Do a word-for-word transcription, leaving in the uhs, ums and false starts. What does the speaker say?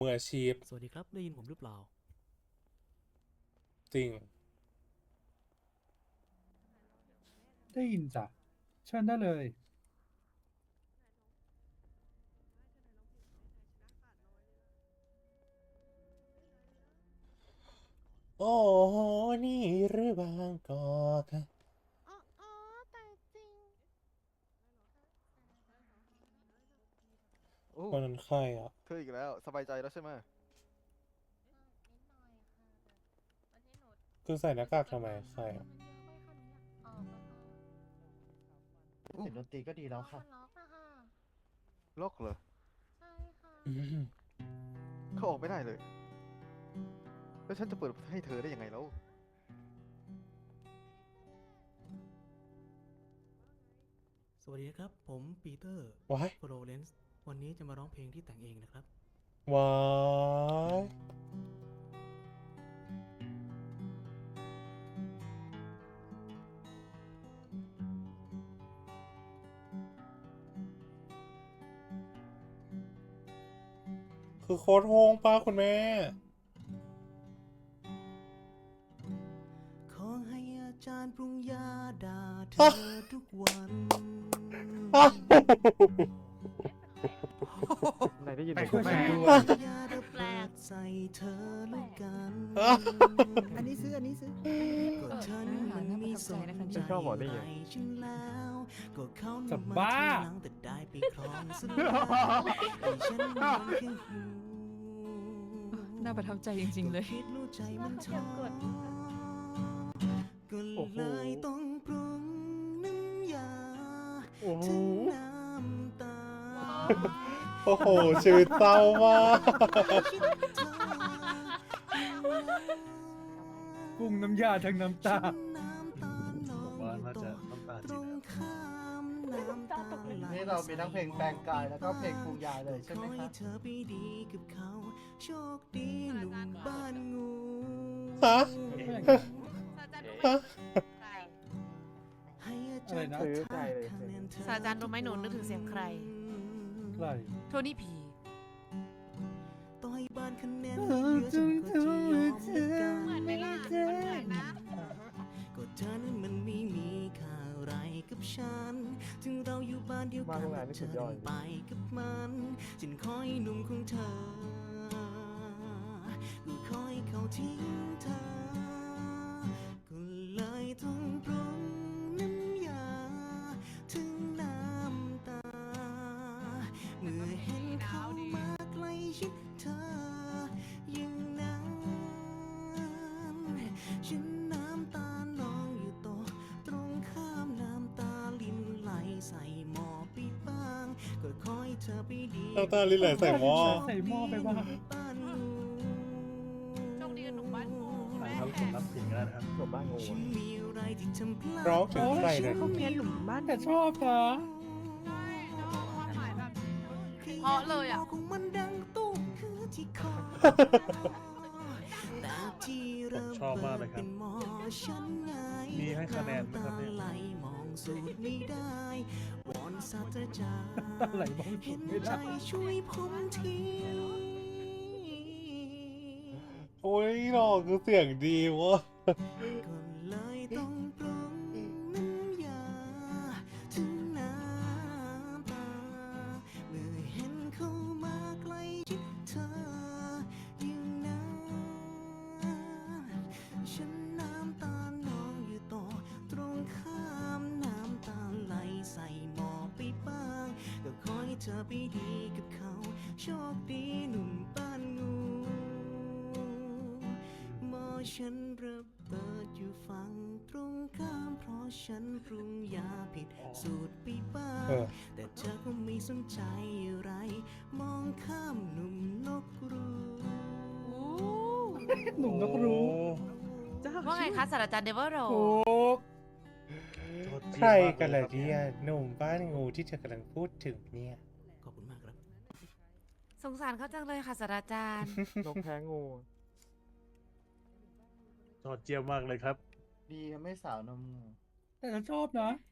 มืออาชีพสวัสดีครับได้ยินผมหรือเปล่าจริงได้ยินจ้ะเชิญได้เลยโอ้โหนี่หรือบางกอกอ๋ออ๋อแต่จริงโอ้วันนั้นใครอ่ะเธออีกแล้วสบายใจแล้วใช่ไหมนิดหน่อยค่ะแบบวันที่หนูคือใส่หน้ากากทำไมใครอ่ะมันเยอะไปค่ะหนูอยากออกอะค่ะเสียงดนตรีก็ดีแล้วค่ะมันล็อกอะค่ะล็อกเหรอใช่ค่ะอืมเขาออกไม่ได้เลย แล้วฉันจะเปิดให้เธอได้ยังไงแล้วสวัสดีนะครับ ผมปีเตอร์ว้ายโฟโรเลนส์วันนี้จะมาร้องเพลงที่แต่งเองนะครับว้ายคือโคตรโฮงป้าคุณแม่ขอให้อาจารย์ปรุงยาด่าเธอทุกวันไหนได้ยินไปไหมคุยกันด้วยยาดแปลกใส่เธอแล้วกันอันนี้ซื้อ อันนี้ซื้อก็ฉันมันมีสนใจฉันชอบหมอนี่ไงไรฉันแล้วก็เขาจะนำมาบ้าทีหลังแต่ได้ไปครองซะแล้วไอ้ฉันมันแค่หูน่าประทับใจจริงๆเลยคิดรู้ใจมันท้อก็เลยต้องปรุงน้ำยาโอ้โหถึงน้ำตาโอ้โห ชีวิตเศร้ามากปรุงน้ำยาทั้งน้ำตาผมว่าน่าจะน้ำตาตรงข้ามน้ำตาไหลนี่เรามีทั้งเพลงแปลงกายแล้วก็เพลงปรุงยาเลยใช่ไหมขอคให้รับเธอไปดีกับเขา โชคดีหนุ่มบ้านงูฮะ ฮะให้อาอะจาไรรย์นะคาถาคะแนนเธอศาสตราจารย์รู้ไหมหนูนึกถึงเสียงใครใครโทนี่ผีต่อยบ้านคะแนนเหลือฉันก็จะยอมกันเหมือนไหมล่ะมันเหมือนนะก็เธอนั้นมันไม่มีค่าอะไรกับฉัน ถึงเราอยู่บ้านเดียวกันแต่เธอเดินไปกับมันฉันคอยหนุ่มของเธอก็คอยเขาทิ้งเธอ ก็เลยต้องปรุงน้ำยาถึงน้ำตา เมื่อเห็นเขามาใกล้ชิดเธออย่างนั้นฉันน้ำตานองอยู่โตะตรงข้ามน้ำตาลินไหลใส่หม้อไปบ้าง ก็คอยเธอไปดีน้ำตาลินไหลใส่หม้อใส่หม้อไปบ้างบ้านงูโชคดีกับหนุ่มบ้านงูแม่จบบ้านงูฉันมีอะไรที่ทำพลาดร้องถึงใครเนี่ยเขาเมียหลุมบ้านแต่ชอบนะใช่แล้วก็ความหมายแบบ เพราะเลยอะของมันดังตุ้มคือที่คอแต่ที่ระชอบเบิมากดเลยครับเป็นหมอฉันไงมีให้คะแนนไหมครับเนี่ยำตาไหลมองสูตรไม่ได้วอนศาสตราจารย์อะไรบ้างเห็นไม่ใจได้ช่วยผมทีโอ้ยหรอกคือเสียงดีวะก็เลยต้องปรุงน้ำยาถึงน้ำตา เมื่อเห็นเขามาใกล้ชิดเธออย่างนั้นฉันน้ำตานองอยู่ต่อตรงข้ามน้ำตาไหลใส่หม้อไปบ้าง ก็ขอให้เธอไปดีกับเขา โชคดีหนุ่มบ้านงูหมอฉันระเบิดอยู่ฝั่งตรงข้ามเพราะฉันปรุงยาผิดสูตรไปบ้างเออแต่เธอก็ไม่สนใจอะไร มองข้ามหนุ่มนกรูหนุ่มนกรู้ว่าไงคะศาสตราจารย์เดเวอร์โรถูกใครกันล่ะเนี่ยหนุ่มบ้านงูที่เธอกำลังพูดถึงเนี่ยขอบคุณมากครับสงสารเขาจังเลยค่ะศาสตราจารย์นกแพ้งูยอดเยี่ยมมากเลยครับดีไม่สาวนมงูแต่ฉันชอบนะ